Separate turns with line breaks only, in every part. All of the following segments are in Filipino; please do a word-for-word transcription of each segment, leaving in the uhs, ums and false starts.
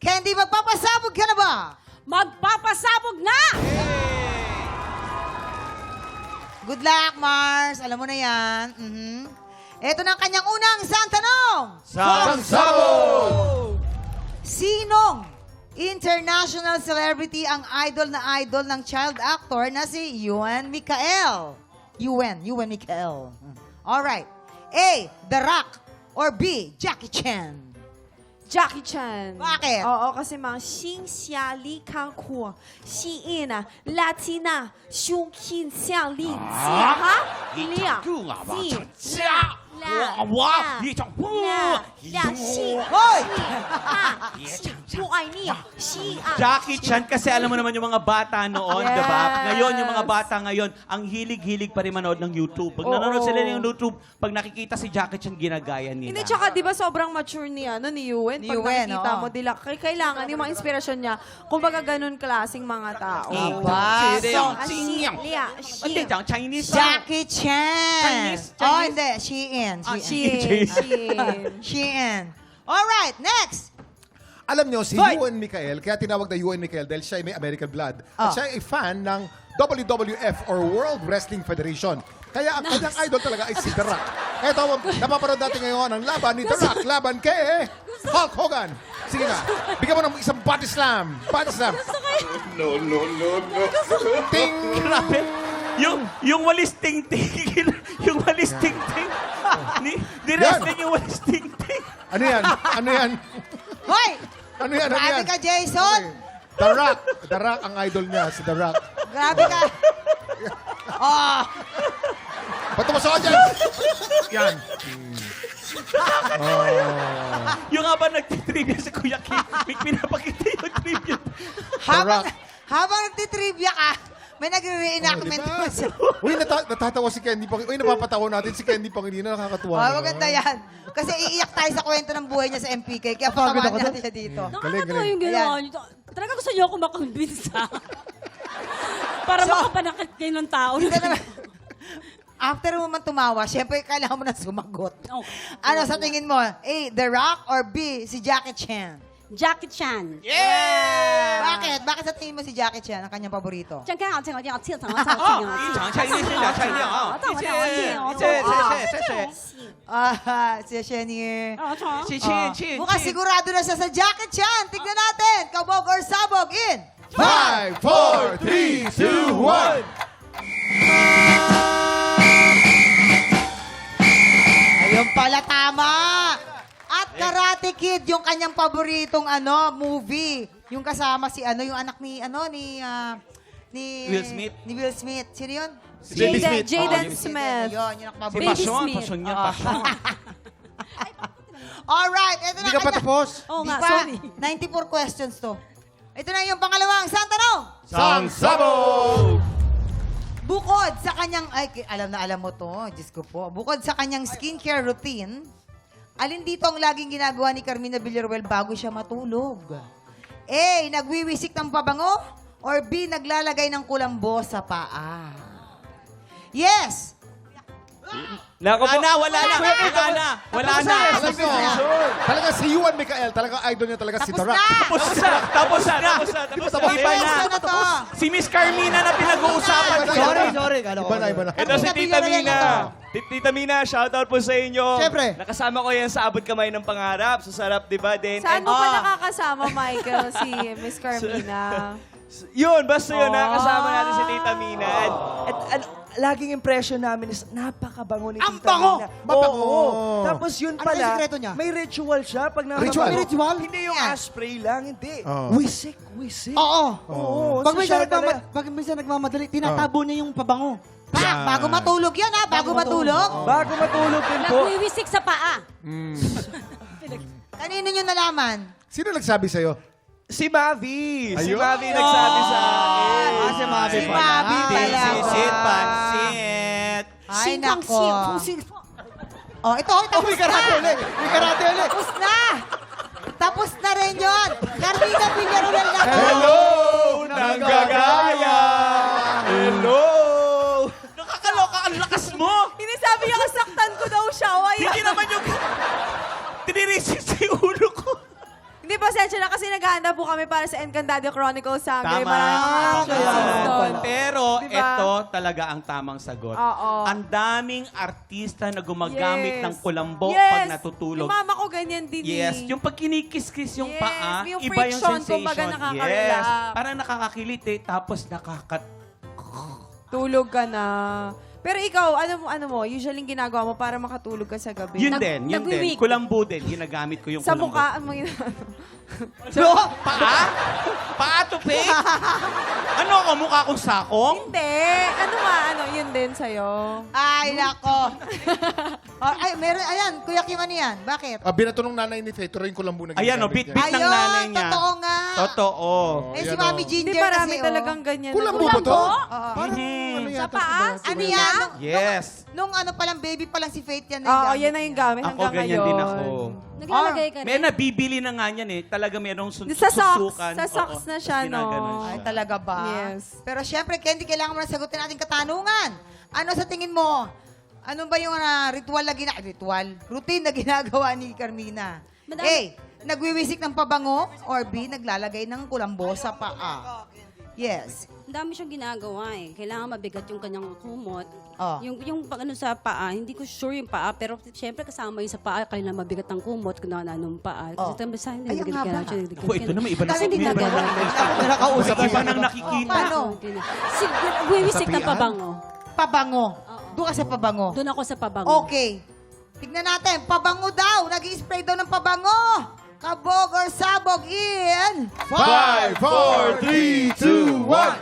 Candy, magpapasabog ka na ba?
Magpapasabog na!
Good luck, Mars. Alam mo na yan. Mhm. Ito na ang kanyang unang isang tanong.
Sangsabog!
Sinong international celebrity ang idol na idol ng child actor na si Ewan Micael? Ewan, Ewan Micael. Alright. A. The Rock. Or B. Jackie Chan.
Jackie Chan.
Bakit?
Oo, kasi mga Xing Xia Li Kang Ku, Xi In, Latina, Xiong Qin Xiang Li Jie, ha? Liang, Ji, La,
哇！一场
La, La, Xi,
Hoy!
Ha, Xi, Bu Ai Ni, Xi, A.
Jackie Chan, kasi alam mo naman yung mga bata noon,
Yes.
di ba? Ngayon, yung mga bata ngayon, ang hilig-hilig pa rin manood ng YouTube. Pag
Oo.
nanonood sila ng YouTube, pag nakikita si Jackie Chan, ginagaya nila.
Hindi, tsaka di ba sobrang mature ni, ano, ni Yuen?
Ni
Pag
Yuen,
nakikita
oo.
mo, dila, k- kailangan yung mga inspirasyon niya, kumbaga ganun klaseng mga tao.
Aba,
Sino
so,
yung
Ah, Xi,
Xi-
Lia,
Hindi,
Xi.
ang Chinese.
Jackie Chan.
Chinese,
Oh,
Chinese.
hindi. Shein.
Ah,
Shein.
Xi, Xi.
Shein. Alright, next.
Alam nyo, si
Hoy!
Ewan Micael, kaya tinawag na Ewan Micael dahil siya ay may American blood.
Ah.
At siya ay fan ng W W F or World Wrestling Federation. Kaya ang kanyang idol talaga ay si The Rock. Eto, napapanood natin ngayon ang laban ni The Rock laban kay Hulk Hogan. Sige na, bigyan mo ng isang body slam. Body slam.
No, no, no, no.
Ting!
Grabe. Yung, yung walis ting-ting. yung walis ting-ting. Ni, di wrestling yung walis ting-ting.
Ano yan? Ano yan?
Hoy!
Ano yan? Ano
Grabe
yan?
ka, Jason.
Okay. The Rock. The Rock ang idol niya, si The Rock.
Grabe ka. Oh,
Ba't tumasok ka dyan? Yan.
Yung nga ba nagtitrivia si Kuya Kim, may pinapakita yung trivia.
habang,
Rock.
habang nagtitrivia ka, may nagre-reenactment
Oh,
oh,
diba? Uy, nata- natatawa si Candy Pangilinan. Uy, napapatawa natin si Candy Pangilinan. Nakakatuwa.
Oh,
naman.
maganda yan. Kasi iiyak tayo sa kwento ng buhay niya sa M P K. Kaya patawanan natin siya dito.
Galing,
Nakakatawa
galing.
yung ginawa
Ayan.
niyo. Talaga gusto niyo ako makakumbinsa. Para
So-
makapanakit kayo ng tao.
Hindi naman. After mo man tumawa, syempre kailangan mo na sumagot.
Oh.
Ano sa tingin mo? A. The Rock or B. Si Jackie Chan?
Jackie Chan.
Yeah!
Bakit? Bakit sa tingin mo si Jackie Chan ang kanyang paborito?
这样刚好这个要切成了菜
哦，一场 Chinese 一场 Chinese 啊，谢谢谢谢谢谢。
Ah, si Shenier.
谢谢谢
Mukhang sigurado na siya sa Jackie Chan. Tignan natin. Kabog or sabog in.
Five, four, three, two, one.
Ayun pala, tama. At Karate Kid, yung kanyang paboritong ano, movie. Yung kasama si ano, yung anak ni, ano, ni, ah, ni...
Will Smith.
Ni Will Smith. Sino yun?
Baby
Jaden,
Smith.
Jaden
Oh,
Smith.
Yun, yun ang
Si
paborito.
Passion,
Smith.
passion niya, passion.
Alright, ito na.
Hindi ka pa
kanya-
tapos.
Oo
Di
nga,
pa.
sorry.
ninety-four questions to. Ito na yung pangalawang isang tanong.
Sangsabog!
Bukod sa kanyang, ay, ki- alam na alam mo to, Diyos ko po. Bukod sa kanyang skincare routine, alin dito ang laging ginagawa ni Carmina Villaruel bago siya matulog? A. Nagwiwisik ng pabango? Or B. Naglalagay ng kulambo sa paa? Yes!
Nako po. Wala na, wala na, wala na, wala na.
Alam nyo, talaga si Ewan Micael, talaga idol niya talaga si
Tapos
The Rock.
na!
Tapos na, tapos na, tapos na, tapos na. Iba na.
Tapos na to.
Si Miss Carmina na pinag-uusapan ko.
Sorry,
sorry.
Iba na, iba na.
Ito si
Carmina
Tita
Villarreal
Mina.
ito.
Ti- Tita Mina, shoutout po sa inyo.
Siyempre.
Nakasama ko yan sa abot kamay ng pangarap. Sa sarap, di ba? Then,
Saan
and-
mo pa
Ah.
nakakasama, Michael, si Miss Carmina?
Yun, basta yun,
Oh.
nakakasama natin si Tita Mina. At, at ano, laging impression namin is napakabango ni
Ang
Tita
bango!
Mina.
Mabango!
Oo. Tapos yun
Ano
pala,
yung sikreto niya?
may ritual siya. Pag nababango-
Ritual? May ritual?
Hindi yung
Yeah.
aspray lang, hindi.
Oo.
Wisik, wisik.
Oo.
Oo.
Pag
so
minsan,
siya
nagmamad,
talaga-
pag minsan nagmamadali, tinatabo niya yung pabango.
Pa, bago matulog yan ha, bago matulog.
Bago matulog din po.
Nagwiwisik sa paa.
Kanino nyo nalaman?
Sino nagsabi sa'yo?
Si Mavi. Si
Ayun.
Mavi nagsabi sa akin.
Ah, si Mavi
Si
pala.
Mavi pala.
Pansit, pansit.
Ay, nako. Oh, ito, ito.
Oh, may karate ulit! May karate ulit!
Tapos na! Tapos na rin yun! Carmina Villaruel na to!
Hello, nanggagaya. Hello.
Nakakaloka, ang lakas mo.
Hindi sabi niya kasaktan ko daw siya. O, ayan.
Hindi naman yung... Tiniresit sa ulo ko.
Hindi, pasensya na kasi naghahanda po kami para sa Encantadio Chronicles Sangre.
Tama.
Maraming mga
Ah,
actions doon.
Pero
Diba?
ito talaga ang tamang sagot.
Oo.
Ang daming artista na gumagamit
Yes.
ng kulambo
Yes.
pag natutulog.
Yung mama ko ganyan din
Yes,
eh.
yung pag kinikis-kis yung
Yes,
paa,
yung
iba yung
friction,
sensation.
kumbaga nakaka-relax.
Yes, parang nakakakiliti, tapos nakakat...
Tulog ka na. Pero ikaw, ano mo, ano mo, usually yung ginagawa mo para makatulog ka sa gabi?
Yun
Nag-
din, yun din.
nagwi-wig.
Kulambo din, ginagamit ko yung
Sa
kulambo.
mukha, ano mo ginagawa?
No? Paa? Paa to fake? Ano ako, mukha kong sakong?
Hindi. Ano nga, ano, yun din sa'yo.
Ay, nako. Oh, ay, meron, ayan, Kuya Kim, ano yan? Bakit?
Ah, binato ng nanay ni Faye, tuloy ko lang muna
Ayan, o,
ginagamit niya.
bit-bit ng
Ayun,
nanay niya.
totoo nga.
Totoo.
Eh, si
Ayan,
Mami
oh.
Ginger
Hindi marami
kasi,
talagang
oh.
ganyan.
Kulambo
na-
ba to?
Oo.
Parang
Mhm.
ano
Sa
yata,
paa?
diba?
Ano yan? Nung,
Yes.
nung, nung ano palang baby pa lang si Faith yan.
Oo,
gamit
yan na yung
niya.
gamit
Ako,
hanggang
ganyan
ngayon.
din ako.
Naglalagay ka rin.
May nabibili na nga yan eh. Talaga merong sun-
Sa socks.
susukan.
Sa socks
Oo,
na siya,
tas ginaganon
no?
siya.
Ay, talaga ba?
Yes.
Pero syempre, Candy, kailangan mo na sagutin ating katanungan. Ano sa tingin mo? Ano ba yung ah, ritual na gina... Ritual? Routine na ginagawa ni Carmina?
Madami-
A. Nagwiwisik ng pabango or B. Naglalagay ng kulambo sa paa? Yes.
Ang dami siyang ginagawa eh. Kailangan mabigat yung kanyang kumot.
Oh.
Yung, yung pag ano sa paa, hindi ko sure yung paa, pero syempre kasama yung sa paa, kailangan mabigat ang kumot kung na ng paa.
Oh.
Kasi oh. sa hindi
Ay, ang
nagigit
haba.
ka
Ako, ito naman, iba na
Kasi hindi
iba na-
nagagawa.
May nakausap
Iba
siya.
nang nakikita.
Oh, paano?
Wiwisik ng
Sapian?
pabango.
Pabango.
Oo.
Doon ka sa pabango.
Doon ako sa pabango.
Okay. Tignan natin. Pabango daw. Nag-i-spray daw ng pabango. Kabog or sabog in...
Five, four, three, two, one.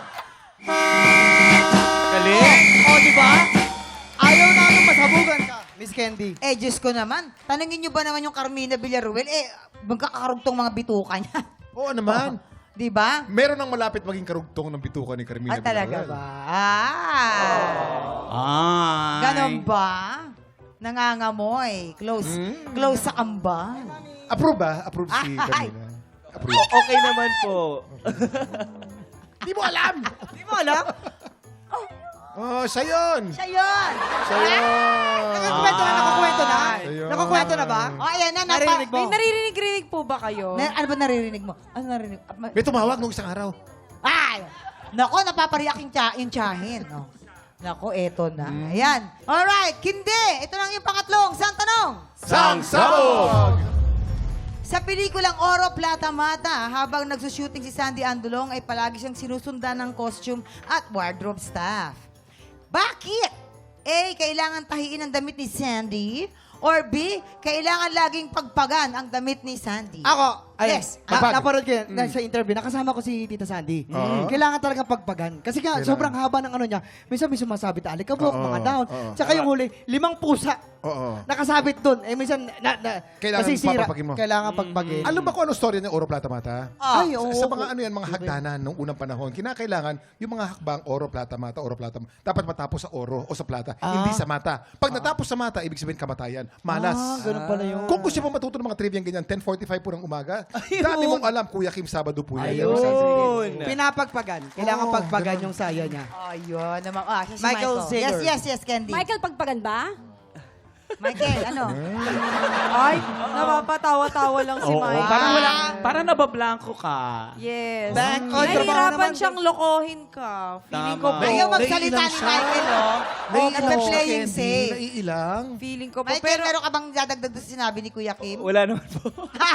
Galing.
O, di ba? Ayaw namin masabugan ka, Miss Candy.
Eh, Diyos ko naman. Tanungin niyo ba naman yung Carmina Villaruel? Eh, magkakakarugtong mga bituka niya.
Oo naman.
Di ba?
Meron nang malapit maging karugtong ng bituka ni Carmina
Ah, talaga
Villarreal.
ba? Ah.
Ay.
Ganon ba? Nangangamoy. Close.
Mm.
Close sa kambal.
Approve ba? Approve si
Ay.
Carmina. Approve.
Okay naman po.
Di mo alam!
Di mo alam?
Oh, siya yun!
Siya yun.
Siya yun!
Nakakwento na, nakakwento na.
Siya yun.
Nakakwento na ba? O, ayan na. Napa-
Narinig mo?
May naririnig-rinig po ba kayo?
Na, ano ba naririnig mo? Ano narinig? Ah, ma-
May tumawag nung isang araw.
Ay! Nako, napapariyak yung, tsa, yung tsahin. Oh. Nako, eto na. Ayan. Alright, Kindi. Ito lang yung pangatlong. Saan tanong?
Sang Sabog!
Sa pelikulang Oro Plata Mata, habang nagsushooting si Sandy Andulong ay palagi siyang sinusundan ng costume at wardrobe staff. Bakit? A. Kailangan tahiin ang damit ni Sandy. Or B. Kailangan laging pagpagan ang damit ni Sandy.
Ako, ay,
Yes.
Na,
Pagpag.
napanood ko yan, dahil sa interview, nakasama ko si Tita Sandy.
Oo.
Kailangan talagang pagpagan. Kasi nga,
Kailangan.
sobrang haba ng ano niya. Minsan may sumasabit, alikabok,
Oo,
mga down.
oo.
Tsaka yung huli, limang pusa.
Oo.
Nakasabit doon. Eh, minsan, na, na,
Kailangan
nasisira.
papapagin mo.
Kailangan pagpagin.
Alam ba kung ano story ng Oro Plata Mata?
Ah,
Ay, oo.
Sa, sa mga ano yan, mga hagdanan nung unang panahon, kinakailangan yung mga hakbang Oro Plata Mata, Oro Plata Mata, dapat matapos sa Oro o sa Plata, hindi sa mata. Pag natapos sa mata, ibig sabihin kamatayan. Malas.
Ah, ganun pala yun.
Kung gusto mo matuto ng mga trivia ganyan, ten forty-five po ng umaga, dati mong alam, Kuya Kim, Sabado po yan.
Ayun.
Pinapagpagan. Kailangan
Oo,
pagpagan yung saya niya.
Ayun naman. Ah, siya si
Michael
Michael.
Saylor.
Yes, yes, yes, Candy.
Michael, pagpagan ba?
Michael, ano?
Ay, napapatawa-tawa lang si
Oo,
Mike.
parang wala, parang nabablanko ka.
Yes.
Back on trabaho
Nahihirapan
naman.
siyang lokohin ka. Feeling ko
Tama.
po.
Ayaw magsalita
naiilang
ni
siya.
Michael, oh. Oh, nagpe-playing safe.
Naiilang.
Feeling ko po.
Michael,
Pero,
meron ka bang dadagdag doon sa sinabi ni Kuya Kim?
Wala naman po.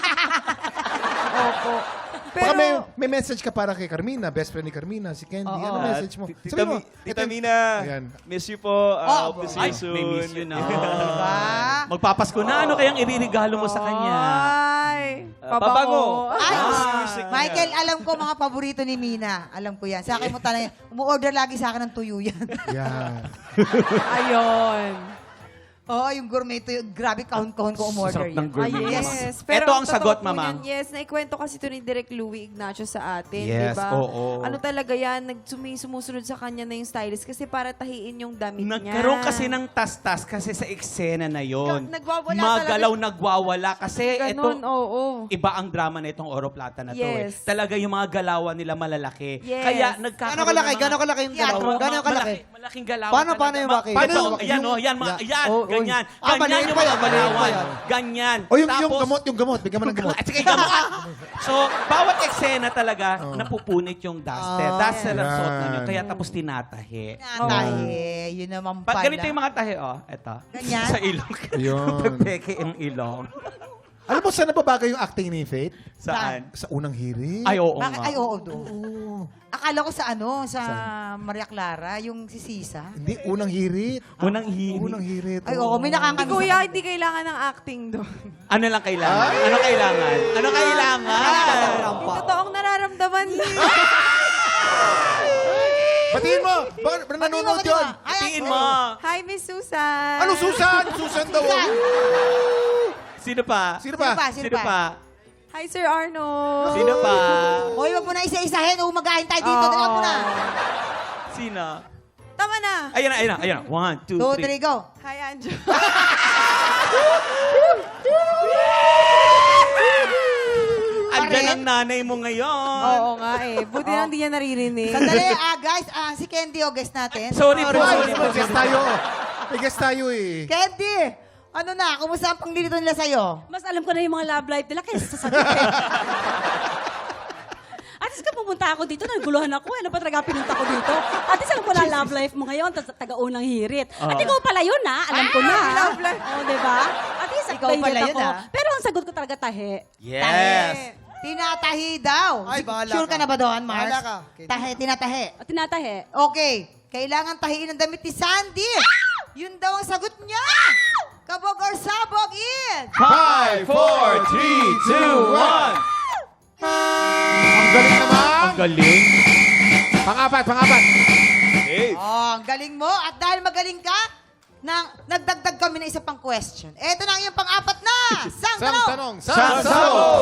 opo.
Baka
Pero,
may, may message ka para kay Carmina, best friend ni Carmina, si Candy. Ano message mo?
Tita,
Sabi mo,
Mi- Tita
ito-
Mina,
Ayan.
miss you po. Uh,
Oh,
hope to see
Ay,
you soon.
may miss you na.
Diba?
Magpapasko na. Ano kayang iririgalo mo sa kanya?
ay,
Ah, pabango.
Ay,
Ah, music niya.
Michael, alam ko mga paborito ni Mina. Alam ko yan. Sa akin mo talaga, umu-order lagi sa akin ng tuyo yan.
Yan.
Ayun.
Oo, yung gourmet tuyo. Grabe, count-count ko umorder
Sarap ng
yan.
gourmet.
Ah, yes. Pero
Ito ang
totoo
sagot,
po
Mamang.
niyan, yes, naikwento kasi ito ni Direk Louie Ignacio sa atin,
Yes,
di ba?
oo.
Ano talaga yan, nagsumi, sumusunod sa kanya na yung stylist kasi para tahiin yung damit niya.
Nagkaroon kasi ng tas-tas kasi sa eksena na yon.
Ka- nagwawala
Magalaw
talaga.
nagwawala kasi
Ganun,
ito
oo.
iba ang drama na itong Oro Plata na to eh.
Yes.
Talaga yung mga galawan nila malalaki.
Yes.
Kaya nagkakaroon
Gano'ng kalaki?
ng mga-
Gano'ng kalaki yung
Yan,
dalawa?
Oo,
Gano'ng
ma-
kalaki?
malaki- Malaking galawan
Paano,
talaga.
paano yung
Ma-
bakit?
Paano?
Yung-
Ayan, oh, yan, mga,
Yeah.
yan.
Oh,
ganyan. ganyan.
Ah,
Ganyan
maliit
yung
pa
mga
yan, maliit pa
balawan.
yan.
Ganyan.
O yung, yung
Tapos-
gamot, yung gamot. Bigyan mo ng gamot.
At sige, gamot. So, bawat eksena talaga, napupunit yung duster.
Ah.
Duster ang suot
Yan.
namin. Kaya tapos tinatahi.
Natahe. Yun naman
Pag
pala.
ganito yung mga tahi, oh. Eto.
Ganyan?
Sa ilong.
Ayun.
Pepeke yung ilong.
Alam mo, saan nababagay yung acting ni Faith?
Saan?
Sa unang hirit.
Ay, oo
Bakit?
nga.
Ay, oo, doon. Akala ko sa ano, sa Maria Clara, yung si Sisa.
Hindi, unang hirit.
Unang hirit.
Unang hirit.
Ay, oo, may
Hindi,
nakakamiss.
kuya, hindi kailangan ng acting doon.
Ano lang kailangan? Ano kailangan? Ano kailangan?
Yung totoong nararamdaman niya.
Batiin mo! Baka baka nanonood yun.
Tiin mo.
Hi, Miss Susan.
Ano, Susan? Susan daw.
Susan.
Sino pa?
Sino
Sino
ba?
pa?
Sino pa?
Hi, Sir Arnold.
Sino pa?
Hoy, wag mo na isa-isahin. Umagahin tayo dito. Dala mo na.
Sino?
Tama na.
Ayan na, ayan na, ayan na. One, two,
Two,
three.
three, go.
Hi, Anjo.
Andyan
Pare.
ang nanay mo ngayon.
Oo nga eh. Buti lang di niya naririnig.
Sandali, ah, guys. Ah, si Candy, o guest natin.
Sorry po,
Ay,
sorry po.
may guest tayo. May guest tayo eh.
Candy, ano na? Kumusta ang panglilito nila sa'yo?
Mas alam ko na yung mga love life nila kaysa sa sabihin. At least ka pumunta ako dito, naguluhan ako. Ano ba talaga pinunta ko dito? At least alam ko na love life mo ngayon, tas taga-unang hirit. At ikaw pala yun, ha? Alam ko na.
Ah, love life.
Oo, di ba? At least
Ikaw
updated
pala yun,
ako.
ah.
Pero ang sagot ko talaga tahe.
Yes.
Tinatahi daw.
Ay, bahala
Sure ka
ka.
na ba doon, Mars?
Bahala ka.
Tahi, tinatahi.
At tinatahe.
Okay. Kailangan tahiin ang damit ni Sandy. Yun daw ang sagot niya. Kabog or sabog in.
Five, four, three, two, one.
Ang galing naman.
Ang galing.
Pangapat, pangapat.
Oh, ang galing mo. At dahil magaling ka, nang nagdagdag kami ng isa pang question. Eto na ang iyong pang-apat na. Sang
Sang
tanong.
tanong.
Sang sabog.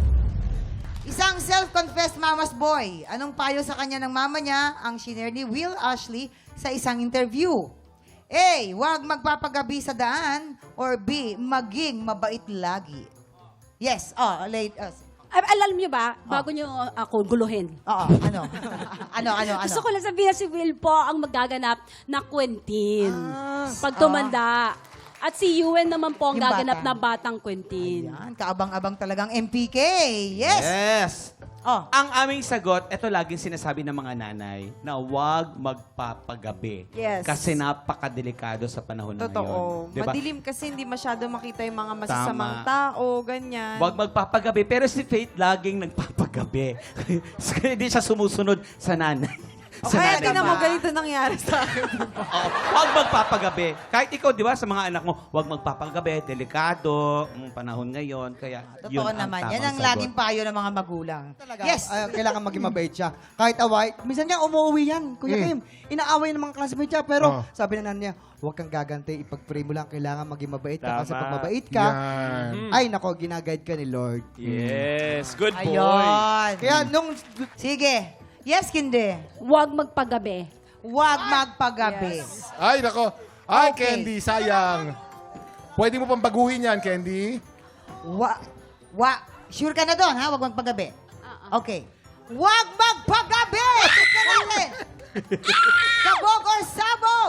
Isang self-confessed mama's boy. Anong payo sa kanya ng mama niya ang shinare ni Will Ashley sa isang interview? A. Huwag magpapagabi sa daan. Or B. Maging mabait lagi. Yes. Oh, late. Uh,
Ay, alam niyo ba, bago niyo ako guluhin.
Oo, ano? ano, ano, ano?
Gusto ko lang sabihin na si Will po ang magaganap na Quentin. Pag tumanda. At si Ewan naman po ang
Yung
gaganap
bata.
na batang Quentin.
Yan, kaabang-abang talagang M P K. Yes.
Yes.
Oh.
Ang aming sagot, ito laging sinasabi ng mga nanay, na huwag magpapagabi.
Yes.
Kasi napakadelikado sa panahon na
Totoo.
ngayon. Diba?
Madilim kasi hindi masyado makita yung mga masasamang
Tama.
tao, ganyan.
Huwag magpapagabi. Pero si Faith laging nagpapagabi. Hindi siya sumusunod sa nanay.
O
sa
kaya
nanay
tingnan
mo.
mo, ganito nangyari sa akin.
Oo, huwag magpapagabi. Kahit ikaw, di ba, sa mga anak mo, huwag magpapagabi. Delikado, ang panahon ngayon. Kaya yun
Totoo
ang
naman.
tamang
Yan ang
sagot.
laging payo ng mga magulang.
Talaga.
Yes.
Ay, kailangan maging mabait siya. Kahit away. Minsan nga umuwi yan, Kuya
Mm.
Kim. Inaaway ng mga classmates niya. Pero
Oh.
sabi ng nanay niya, huwag kang gagante. Ipag-pray mo lang. Kailangan maging mabait ka. Kasi
Tama.
pag mabait ka,
Yan.
ay nako, ginaguide ka ni Lord.
Yes, good boy.
Ayun.
Kaya nung
Sige. Yes, Kinde.
Huwag magpagabi.
Huwag magpagabi.
Ay, nako. Ay,
Okay.
Candy, sayang. Pwede mo pang baguhin yan, Candy.
Wa, wa, sure ka na doon, ha? Huwag magpagabi. Okay. Huwag magpagabi! Tignan natin. Kabog or sabog?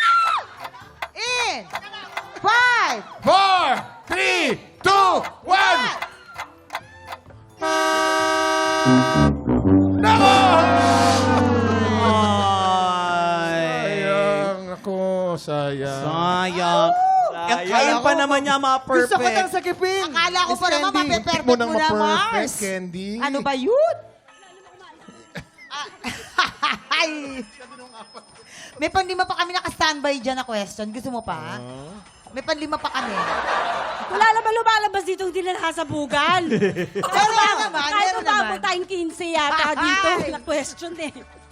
In! Five!
Four, three, two, one. Nako!
Ay.
Sayang ako, sayang.
Sayang. Sayang. Kayo pa naman niya mga perfect.
gusto ko nang sakipin.
Akala ko
Miss
pa naman
Candy.
mape-perfect
Mo
mo
nang
na,
ma-perfect,
Mars.
Candy.
Ano ba yun? Ay. May panlima pa kami naka-standby dyan na question. Gusto mo pa? May panlima pa kami.
Wala naman lumalabas dito hindi na nakasabugan.
Meron naman,
Kahit
meron
umabot
naman.
tayong quince yata dito
Ay.
na question eh.